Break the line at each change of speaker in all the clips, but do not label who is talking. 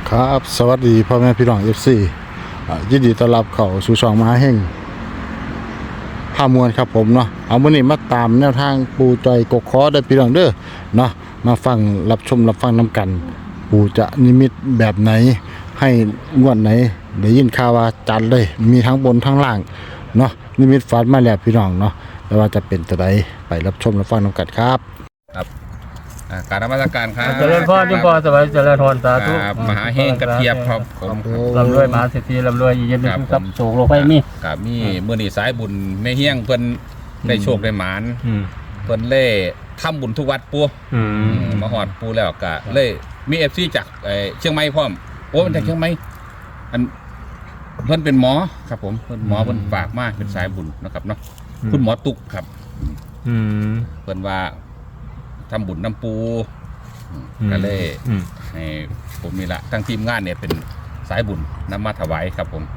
ครับสวัสดีพ่อแม่พี่น้อง FC ยินดีต้อนรับเข้าสู่ช่องมหาเฮงพามวลครับผมเนาะเอามื้อนี้มาตามแนวทางปูจอยกกคอได้พี่น้องเด้อเนาะมาฟังรับชมรับฟังนํกันปูจะนิมิตแบบไหนให้งวดไหนได้ยินข่าวว่าจัดเลยมีทั้งบนทั้งล่างเนาะนิมิตฝันมาแล้วพี่น้องเนาะแต่ว่าจะเป็นตัวใดไปรับชมรับฟังนํกันครับ
ครับการนมัสการครับ
เจริญพรจุปอสบายเจริญพรสาธุ
ครับมหาเฮงกระเทียบครับผม
ร่ำรวยมหาเศรษฐีร่ำรวยเย็นเป็นสุขทรัพย์โศกโลกไปมี
กับมีมื้อนี้สายบุญแม่เฮียงเพิ่นได้โชคได้หมานเพิ่นเล่ทำบุญทุกวัดปู่มาฮอดปู่แล้วก็เลยมี FC จากเชียงใหม่พร้อมโอ้มันจากเชียงใหม่อันเพิ่นเป็นหมอครับผมเพิ่นหมอเพิ่นฝากมาเป็นสายบุญนะครับเนาะคุณหมอตุกครับเพิ่นว่าทำบุญน้ำปูก็เลยให้ผมนี่ละทั้งทีมงานเนี่ยเป็นสายบุญนำมาถวายครับผม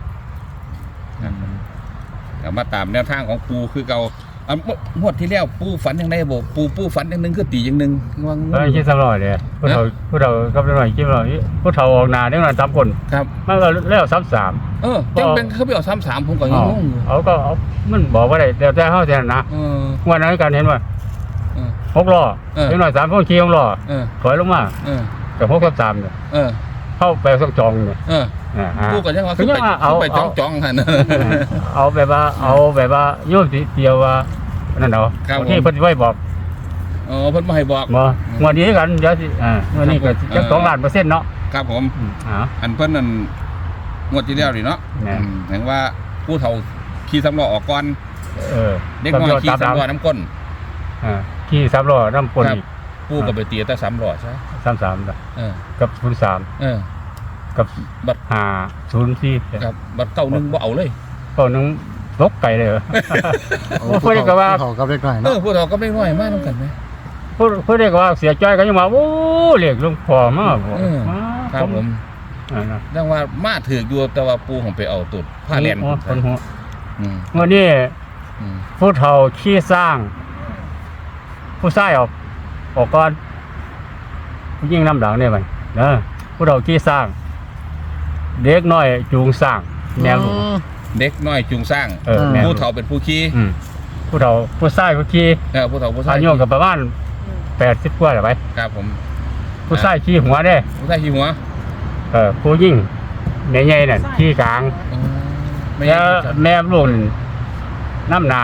มาตามแนวทางของปูคือเก่างวดที่แล้วปูฝันยังไงบอกปูฝันอย่างนึงคือตีอย่างนึงว่า
คิดสำรอยเลยผู้เฒ่ากับหน่อยคิดหน่อยผู้เฒ่าออกหน้าได้หน่อย3คน
ครับ
มันก็แล้วซ้ำ
จังเป็นเขาไปเอา3-3ผมก็ยังงงอยู่
เขาก็มันบอกว่าได้แต่เฮาแท้นะวันนั้นการเห็นว่า6ล้อได้หน่อย3คนขี่6ล้อถอยลงมากับ6-3เนี่ยเข้าไปสักจองเนี่ย
ปูก็ยังว่าคือไปจ้องๆกัน
เอาแบบว่าโยมเดียวว่านั่นเนาะที่เพิ่นไว้บอก
เพิ่นมาให้บอก
งวดนี้กันเดี๋ยวสิวันนี้ก็จัก2 ล้านเปอร์เซ็นต์เนาะ
ครับผมอันเพิ่นนั่นงวดที่แล้วนี่เนาะเห็นว่าผู้เฒ่าขี่3ล้อออกก่อนเด็กน้อยขี่3ล้อน้ำก้น
ขี่3ล้อน้ำก้นอีก
ปูก็ไปตีแต่3ล้อใช่
33นะกับ03กับบัตร504
ครับบัตร91บ่เอาเลย
91ตกไก่เลยเหรอพูดได้ก็ว่า
ผู้เฒ่ากับเล็กน้อยเนาะ
ผู้เฒ่ากับเล็กน้อยมากนำกันมั้ย
พูดได้ก็ว่าเสียใจก็ยังว่าโอ้เรียกหลวงพ่อมาบ่
ครับผมดังว่ามาถืออยู่แต่ว่าปูของไปเอาตุดผ้าแลน
คนหัววันนี้ผู้เฒ่าขี้สร้างผู้ชายออกก่อนผู้ยิ่งน้ำหลังเนี่ยมันนะผู้เฒ่าขี้สร้างเด็กน้อยจูงสร้างแนว
เด็กน้อยจูงสร้างผู้เฒ่าเป็นผู้ขี่
ผู้เฒ่าผู้ชายผู้ขี่
ผู้เฒ่าผู้ชาย
อายุกับประมาณ80กว่าหรือไป
ครับผม
ผู้ชายขี่หัวได้
ผู้ชายขี่หัว
ผู้ยิ่งแม่ใหญ่น่ะขี่กลางแล้วแม่ลูกน้ำห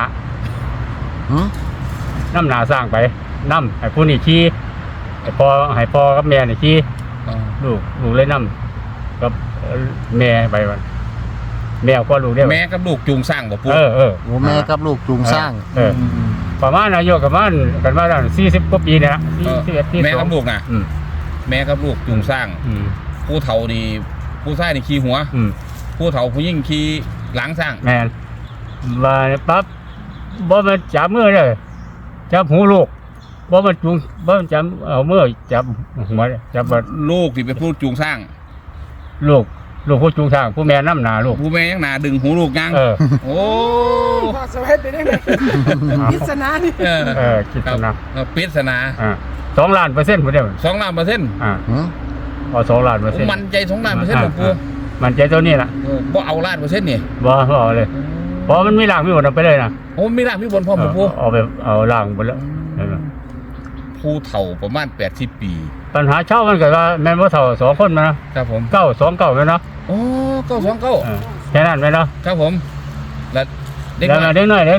นาสร้างไปน้ำให้ผู้นี่ขี่ให้พ่อกับแม่นี่ขี่ลูกเลยน้ำกับแม่ไปวันแม่ก็ลูกได้
แม่กับลูกจูงสร้างบ่ปู่
แม่กับลูกจูงสร้าง
ประมาณอายุกันมาได้40กว่าปีเนี่ยนะ
แม่กับลูกนะแม่กับลูกจูงสร้างผู้เฒ่านี่ผู้ชายนี่ขี่หัวผู้เฒ่าผู้ยิ่งขี่หลังสร้าง
แม่มาปั๊บบ่มาจับมือเลยจับหูลูกบ่มาจูงบ่จับเอามือจับหัวจับ
ลูกที่เป็นผู้จูงสร้าง
ลูกผู้จูงสร้างผู้แม่น้ำหนาลูก
ผู้แม่ยังหนาดึงหูลูกยังโอ้
พอสวัสดีได้ไหมพิศนานี่
พิศนา
พิศนา
2 ล้านเปอร์เซ็นต์ผมได้
2 ล้านเปอร์เซ็นต์
เอา2 ล้านเปอร์เซ็นต์
มันใจ2 ล้านเปอร์เซ็นต์หลวงปู่
มันใจตัวนี้แหละ
บ่เอาล้านเปอร์เซ็นต์นี่
บ่เอาเลยเพราะมันมีล่างมีบนไปเลยนะ
โอ้มีล่างมีบนพร้อมหลวงปู่
เอาล่างบนแล้ว
ผู้เฒ่าประมาณ80 ปี
ปัญหาเช่ามันเกิดว่าแม่นว่าเฒ่า2 คนมา
นะครับผม
929ไหมเนาะ
โอ้929
แค่นั้นไหมเนาะ
ครับผมแล้ว
เด็กน้อย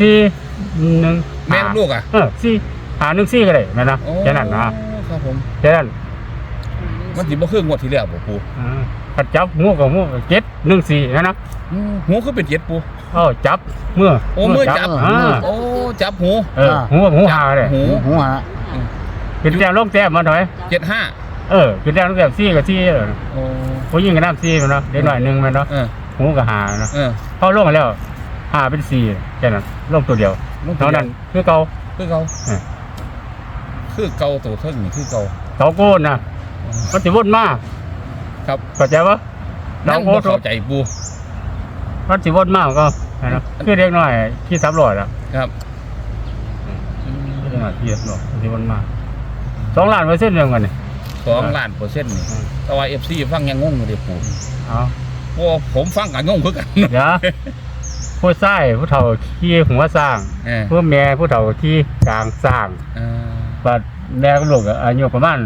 4-1
แม่ลูกอ่ะ
4-1-4ก็ได้ไหมนะแค่นั้นนะครับ
ผม
แค่นั้น
มันสิบ่คืองวดที่แล้วบ่ปู่
ถ้าจับหูกับหู7-1-4นะ
หูคือเป็น7ปู่
จับเมื่อ
จับจับหู
หูหาเลย
หูหา
เป็นแต้มลงแต้มมาหน่อย
75
เป็นแต้มลงแต้ม4กับ4ผู้ยิ่งกับน้ำ4มันเนาะเด็กหน่อย1มันเนาะหูกับหาเนาะเข้าลงแล้ว5เป็น4แค่นั้นลงตัวเดียวเท่านั้นคือเก่า
ตัวเท่านี้คือเก่า
โกนนะมันสิวนมาก
ครับ
เข้าใจปะ
เราเข้าใจปู
มันสิวนมากก็นะคือเด็กน้อยที่300แล้ว
ครับ
เด็กน้อยที่300สิวนมาก2 ล้านเปอร์เซ็นต์เรื่องกันนี่
2 2,000,000%นี่แต่ว่า FC ฟังยังงงอยู่เด้ปู่
เอา
เพราะว่าผมฟังก็งงคือกัน
เดี๋ยวผู้ชายผู้เฒ่าขี่หัวสร้าง ผู้แม่ผู้เฒ่าขี่กลางสร้าง
เออ
บัดแม่กับลูกก็อายุประมาณ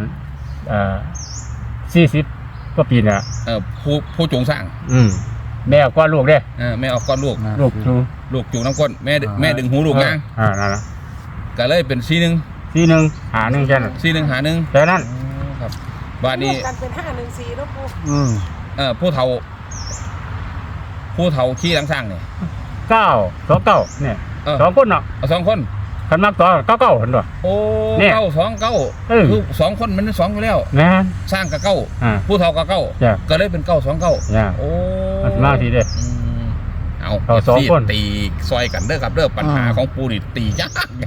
40กว่าปีน่ะ
ผู้จงสร้าง
แม่กว่าลูกเด้
แม่ออกก้อนลูก
ลูกจู
ลูกจูงน้ำก้นแม่ดึงหูลูกนาง
นั่นล่ะ
ก็เลยเป็น41
41หา1แค่นั้น
41หา1
แค่นั้น
ครับบ้านนี้
รวมกันเป็น514แล้วปู
ผู้เฒ่าขี่หลังสร้างเนี่ย
929เนี่ย สองคนเนาะ
เอา2 คน
คันมักต่อ99เห็นบ่
โอ้
เนี่ย
929คือ2 คนมัน2อยู่แล้ว
แม่น
สร้างกับเก้า ผู้เฒ่ากับเก้า
จ้ะ
ก็เลยเป็น929
จ้ะ
โอ้
มันมาทีเด้
เอา
เอาสองคน
ตีซอยกันเด้อครับเด้อปัญหาของปูนี่ตียาก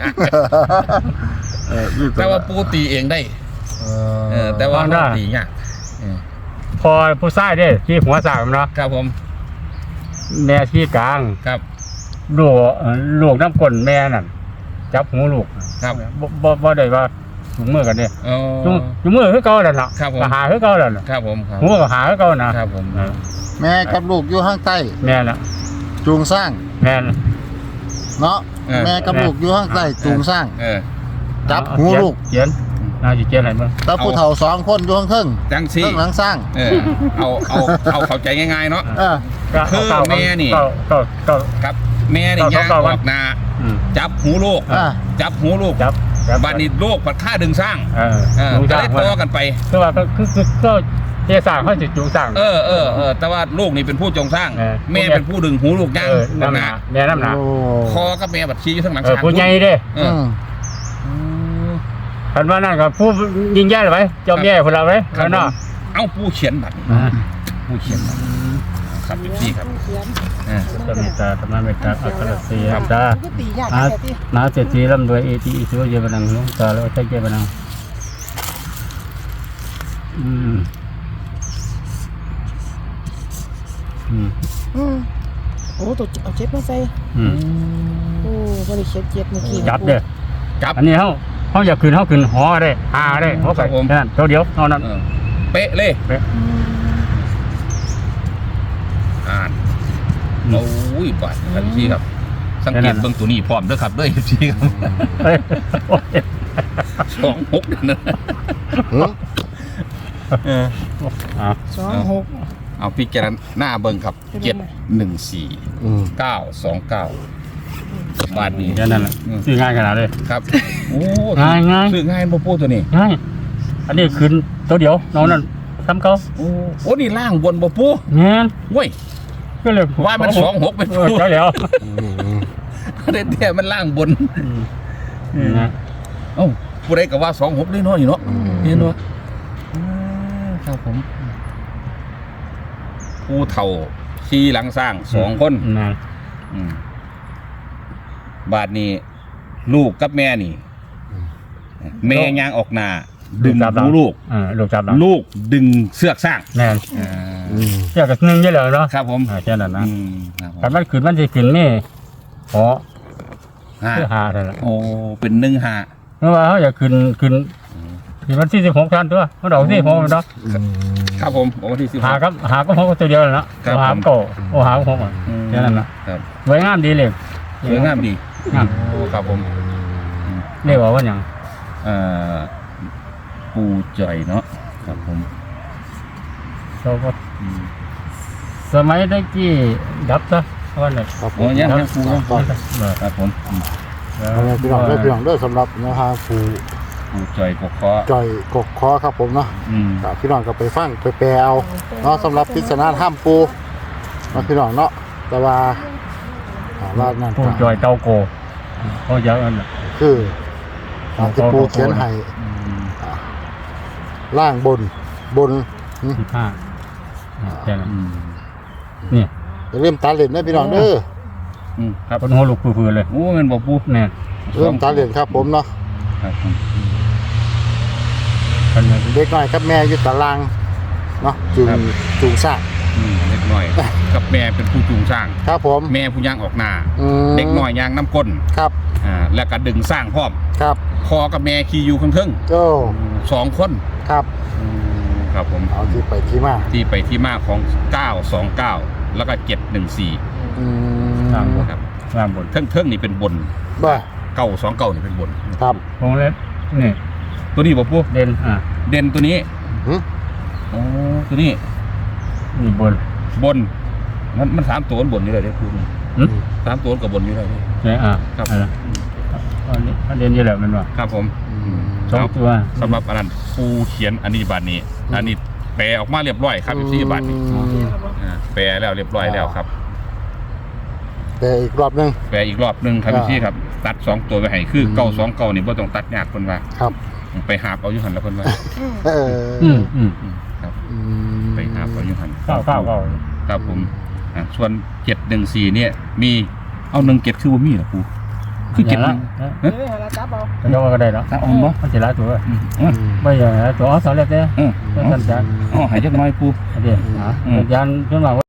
แต่ว่าปูตีเองได้แต่ว่าเราตียาก
พอผู้ชายเด้ขี่หัวสร้างเนาะ
ครับผม
แม่ขี่กลาง
ครับ
ลูกน้ำก้นแม่นั่นจับหูลูก
ครับ
บ่ได้ว่าถุงมือกันเนี่ย
อ๋อ
ถุงมือคือเก่าแล้วล่ะ
ครับผม
ก็หาคือเก่าแล้วล่ะ
ครับผมครับ
หูก็หาคือเก่านะครับ
ผม
แม่กับลูกอยู่ข้างใต้
แม่น่ะ
จูงสร้าง
แม่น่ะ
เนาะแม่กับลูกอยู่ข้างใต้จูงสร้าง จับหูลูก
เขียนน่าจะเขียนอะไรบ้าง
แล้วผู้เฒ่า2 คนอยู่ข้างเทิง
จังสิ
เทิงหลังสร้าง
เอาเข้าใจง่ายๆเนาะ คือแม่นี่
ก็
ครับแม่นี่ย่างออกนาจับหูลูก จับหูลูก
จับ
บ้านนี้ลูกผัดค่าดึงสร้าง
จูง
ก็
สร้าง
เลยต่อกันไป
คือว่าก็เทสร้างเขาจะจูงสร้าง
แต่ว่าลูกนี่เป็นผู้จงสร้าง
แม่
แม่เป็นผู้ดึงหูลูกย่าง
น้ำหนาแม่น้ำหนา
โอ้
คอกับแม่บัดชี้อยู่ทั้งหลังช้าง
ผู้ใหญ่เด้ คันว่านั่นก็ผู้ยิงแย่เลยไหมเจ้าแย่พวกเราไหม
ครับ
เนาะ
เอาผู้เขียนบัตรผู้เขียนบัตรครับพี่ครับ
เขียน
จะมีตาธรรมะเมตตาอัครเสียตา
มันก็ตียาก
มา
แค่ที่
มาเจตีร่ำรวยเอทีอิสุเยบันังลุงตาแล้วใช้เยบันัง
โอ้ตัวเอาเจ็ดมาใส่โอ้บริเขียนเจ็ดเมื่อกี้
จับเด้อ
จับ
อันนี้เขาอยากขึ้นเขาขึ้นหอได้หาได้เขาไปนั่นเดียวเท่านั้น
เป๊ะเลยอ่านโอ้ยบัตรครับพี่ครับสังเกตเบื้องตัวนี้พร้อมด้วยครับด้วยพี่ครับ26เดือนนะ
26
เอาพี่แกหน้าเบิ้งครับ714 929บาทนี้
แค่นั้นแหละซื้อง่ายขนาดเลย
ครับโอ้
ง่าย
ซื้อง่ายบ่ปูตัวนี้
ง่ายอันนี้ขึ้นตัวเดียวน้องนั่นซ้ำเขา
โอ้นี่ล่างบนบ่ปู
เงี้ย
เว้ย
ก็เลย
ว่ามัน26เป็นปู
ใช่แล้ว
เด็ดๆมันล่างบน
นะ
เอ้าผู้ใดก็ว่า26ได้น้อยเนาะนี่เนาะครับผมผู้เฒ่าขี่หลังสร้าง2 คนบาทนี้ลูกกับแม่นี่แม่ย่างออกหน้าดึงหูลูก
ลูกจับ
ลูกดึงเสือกสร้าง
แม่เจ้ากับหนึ่งเยอะเลยเนาะ
ครับผม
แค่นั้นนะคันมันขึ้นมันจะขึ้นนี่หอเพื่อหาเท่านั้น
โอ้เป็น1-5
เพราะว่าเขาอยากขึ้นที่มัน46ชั้นตัวเขาดอกที่6เนาะ
ครับผมวันที่16
หาก็6ตัวเดียวนะหาก็หาก็6แค่นั้นนะครับสวยงามดีเลย
สวยงามดี
งาม
โอ้ครับผม
เรียกว่าอย่าง
ปูจ่อยเนาะครับผม
เราก็สมัยตะกี้ดับซะว่าเลย
ครับผ
โอ้
ม
ยังปูครับผม
พี่น้องเด้อสำหรับแนวทางปู่
ปูจ่อยกกคอ
จอยกกคอครับผมเนาะพี่น้องก็ไปฟังไปแปลเอาเนาะสำหรับพิจารณาถ้ำปูเนาะพี่น้องเนาะแต่ว่านั่น
ผู้จอยเตาโกเขาจะอันนั้น
คือที่ปูเขียนให้ล่างบน
15แค่นั้นนี่
เริ่มตาเหรียญนะพี่น้องเด้อ
ครับเป็นหัวลูกพื้นเลย
โอ้มันบ่ปู
แม่
เริ่มตาเหรียญครับผมเนาะ
ครับผม
กันเลย
เด็กน้อยกับแม่อยู่ตารางเนาะจูงสร้าง
เด็กน้อย กับแม่เป็นผู้จูงสร้าง
ครับผม
แม่ผู้ย่างออกหน้า
ม
เด็กน้อยย่างน้ำก้น
ครับ
แล้วก็ดึงสร้างพร้อม
ครับ
พอกับแม่ขี่อยู่ข้างเทิง
โอ้
สองคน
ครับ
ครับผม
เอาที่ไปที่มา
ที่ไปที่มาของ 929 แล้วก็ 714
อื
ตาม
ม
บน
ครับ
ตามบน
เทิงนี่เป็นบน
บ่
929นี่เป็นบน
ครับ
วงเล็บนี่
ตัวนี้บอกปุ๊
เด่น
เด่นตัวนี้
หึ
โอ้ตัวนี้
นี่บน
บนมันสามตัวบนนี่เลยได้พูด
หึ
สามตัวกับบนนี่เลย
เนี่ย
ครับ
อันนี้เด่นอยู่แล้วมันว่า
ครับผม
สองตัว
สำหรับอันนั้นผู้เขียนอันนี้บัตรนี้อันนี้แปลออกมาเรียบร้อยครับที่บัตรนี้แปลแล้วเรียบร้อยแล้วครับ
แต่อีกรอบหนึง
แปลอีกรอบหนึ่งครับพี่ครับตัด2ตัวไปให้คือ929นี่บ่ต้องตัดยากคนว่า
ครับ
ไปหาบเอาอยู่หันแล้วคนว่า
เออ
ครับ
อืม
ไปหาบเอาอยู่หัน
เก้า
ครับผมส่วน714เนี่ยมีเอา17คือบ่มีเหรอครูคือ
อย่างละ
7
เฮ้ยเราจับเอา
จะยกก็ได้เนาะ
เอาบ่
มันสิหลายตัว
อ๋อ
ไม่อย่างตัวเอาสำเร็จเด้
เออ
ท่านจัด
อ๋อให้จักหน่อยครู
อันนี้ยันขึ้นมา